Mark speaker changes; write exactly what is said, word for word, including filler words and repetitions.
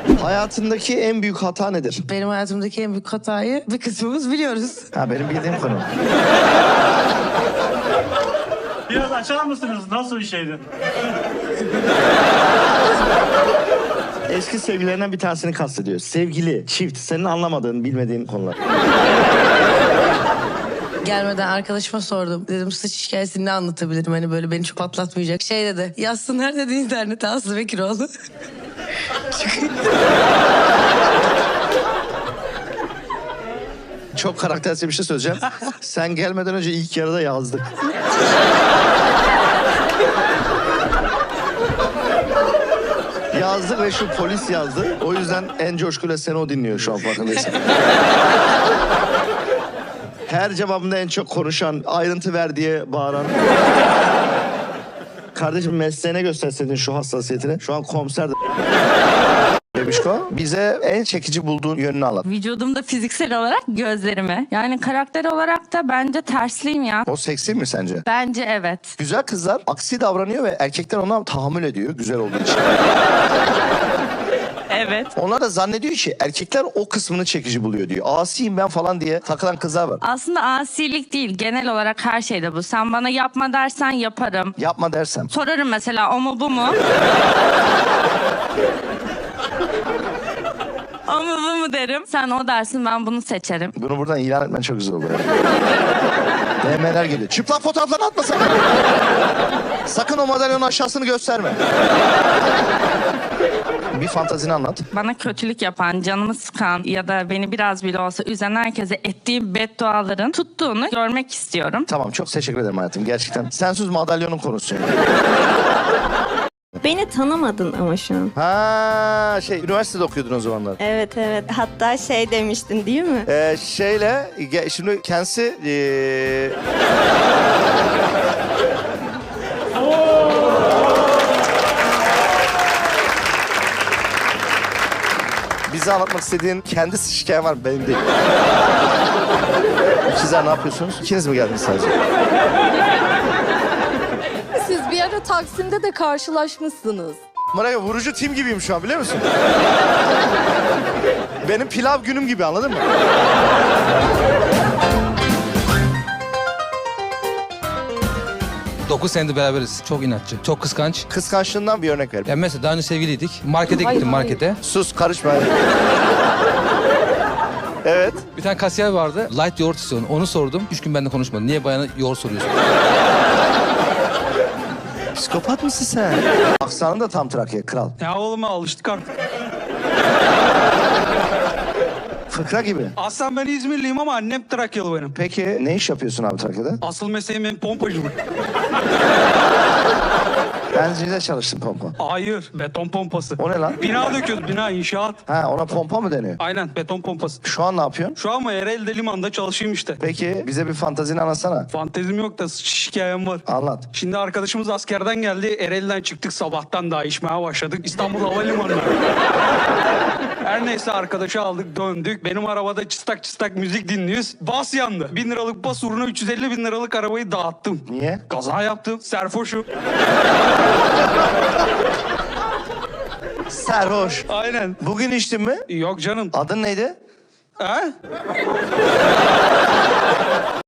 Speaker 1: Hayatındaki en büyük hata nedir?
Speaker 2: Benim hayatımdaki en büyük hatayı bir kısmımız biliyoruz.
Speaker 1: Ha, benim bildiğim konu.
Speaker 3: Biraz açar mısınız? Nasıl bir şeydi?
Speaker 1: Eski sevgililerinden bir tanesini kastediyor. Sevgili, çift, senin anlamadığın, bilmediğin konular.
Speaker 2: Gelmeden arkadaşıma sordum. Dedim saç hikayesini ne anlatabilirim? Hani böyle beni çok patlatmayacak. Şey dedi. Yazsınlar dedi internete Aslı Bekiroğlu.
Speaker 1: Çok karaktersel bir şey söyleyeceğim. Sen gelmeden önce ilk yarıda yazdık. Yazdık ve şu polis yazdı. O yüzden en coşkuyla seni o dinliyor şu an, farkındaysın. Her cevabında en çok konuşan, ayrıntı ver diye bağıran. Kardeşim mesleğine gösterseydin şu hassasiyetini. Şu an komiser de... Bebişko, bize en çekici bulduğun yönünü anlat.
Speaker 4: Vücudumda fiziksel olarak gözlerimi. Yani karakter olarak da bence tersliyim ya.
Speaker 1: O seksi mi sence?
Speaker 4: Bence evet.
Speaker 1: Güzel kızlar aksi davranıyor ve erkekler ona tahammül ediyor güzel olduğu için.
Speaker 4: Evet.
Speaker 1: Onlar da zannediyor ki erkekler o kısmını çekici buluyor diyor. Asiyim ben falan diye takılan kızlar var.
Speaker 4: Aslında asilik değil. Genel olarak her şeyde bu. Sen bana yapma dersen yaparım.
Speaker 1: Yapma dersem.
Speaker 4: Sorarım mesela o mu bu mu? O mu bu mu derim. Sen o dersin ben bunu seçerim.
Speaker 1: Bunu buradan ilan etmen çok güzel oluyor. D M'ler geliyor. Çıplak fotoğraflarını atma sakın. Sakın o madalyonun aşağısını gösterme. Bir fantazini anlat.
Speaker 4: Bana kötülük yapan, canımı sıkan ya da beni biraz bile olsa üzen herkese ettiğim bedduaların tuttuğunu görmek istiyorum.
Speaker 1: Tamam, çok teşekkür ederim hayatım gerçekten. Sensiz madalyonun konusu yani.
Speaker 5: Beni tanımadın ama şu an.
Speaker 1: Ha şey, üniversitede okuyordun o zamanlar.
Speaker 5: Evet evet. Hatta şey demiştin değil mi?
Speaker 1: Ee, şeyle, ge- şimdi kendisi... Ee... Bize anlatmak istediğin kendi hikayen var mı? Benim değil. Sizler ne yapıyorsunuz? İkiniz mi geldiniz sadece?
Speaker 6: Siz bir ara Taksim'de de karşılaşmışsınız.
Speaker 1: Maraya vurucu tim gibiyim şu an, biliyor musun? Benim pilav günüm gibi, anladın mı?
Speaker 7: dokuz senedir beraberiz. Çok inatçı, çok kıskanç.
Speaker 1: Kıskançlığından bir örnek ver.
Speaker 7: Ya mesela daha önce sevgiliydik. Markete
Speaker 6: Hayır,
Speaker 7: gittim
Speaker 6: hayır.
Speaker 7: markete.
Speaker 1: Sus, karışma. Evet.
Speaker 7: Bir tane kasiyer vardı. Light yoğurt istiyordu. Onu sordum. Üç gün benimle konuşmadı. Niye bayana yoğurt soruyorsun?
Speaker 1: Psikopat mısın sen? Aksanın da tam Trakya, kral.
Speaker 8: Ya oğlum alıştık artık.
Speaker 1: Fıkra gibi.
Speaker 8: Aslen ben İzmirliyim ama annem Trakyalı benim.
Speaker 1: Peki ne iş yapıyorsun abi Trakya'da?
Speaker 8: Asıl mesleğim benim pompacılık.
Speaker 1: Ben zilde çalıştım pompa.
Speaker 8: Hayır, beton pompası.
Speaker 1: O ne lan?
Speaker 8: Bina döküyoruz, bina, inşaat.
Speaker 1: Ha, ona pompa mı deniyor?
Speaker 8: Aynen, beton pompası.
Speaker 1: Şu an ne yapıyorsun?
Speaker 8: Şu an mı Ereğli'de limanda çalışayım işte.
Speaker 1: Peki bize bir fantazini anlatsana.
Speaker 8: Fantezim yok da şikayem var.
Speaker 1: Anlat.
Speaker 8: Şimdi arkadaşımız askerden geldi. Ereğli'den çıktık, sabahtan daha içmeye başladık. İstanbul Havalimanı'na. Her neyse arkadaşı aldık, döndük. Benim arabada çıstak çıstak müzik dinliyoruz. Bas yandı. Bin liralık bas uğruna üç yüz elli bin liralık arabayı dağıttım.
Speaker 1: Niye?
Speaker 8: Kaza yaptım. Serfoşum.
Speaker 1: Serhoş.
Speaker 8: Aynen.
Speaker 1: Bugün içtin mi?
Speaker 8: Yok canım.
Speaker 1: Adın neydi?
Speaker 8: Ha?